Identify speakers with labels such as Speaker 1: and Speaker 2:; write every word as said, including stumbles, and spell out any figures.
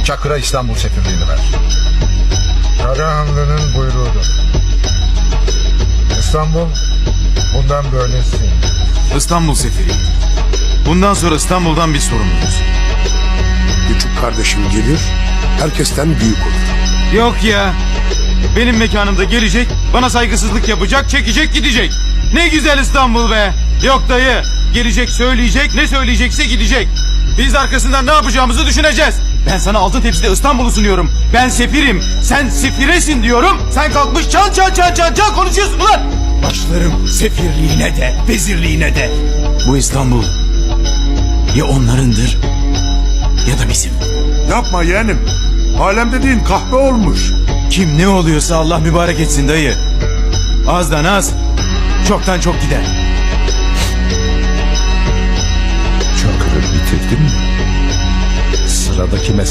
Speaker 1: Çakır'a İstanbul sefirliğini ver. Karahanlı'nın buyruğudur. İstanbul bundan böylesi.
Speaker 2: İstanbul sefiri. Bundan sonra İstanbul'dan biz sorumluyuz.
Speaker 3: Küçük kardeşim gelir, herkesten büyük olur.
Speaker 2: Yok ya. Benim mekanımda gelecek, bana saygısızlık yapacak, çekecek, gidecek. Ne güzel İstanbul be. Yok dayı. Gelecek, söyleyecek, ne söyleyecekse gidecek. Biz de arkasından ne yapacağımızı düşüneceğiz. Ben sana altın tepside İstanbul'u sunuyorum. Ben sefirim, sen sefiresin diyorum. Sen kalkmış çal çal çal çal çal konuşuyorsun ulan. Başlarım sefirliğine de, vezirliğine de. Bu İstanbul ya onlarındır ya da bizim.
Speaker 3: Yapma yeğenim. Alem dediğin kahve olmuş.
Speaker 2: Kim ne oluyorsa Allah mübarek etsin dayı. Azdan az, çoktan çok gider.
Speaker 1: Çakır'ı bitirdin mi? Sıradaki mesele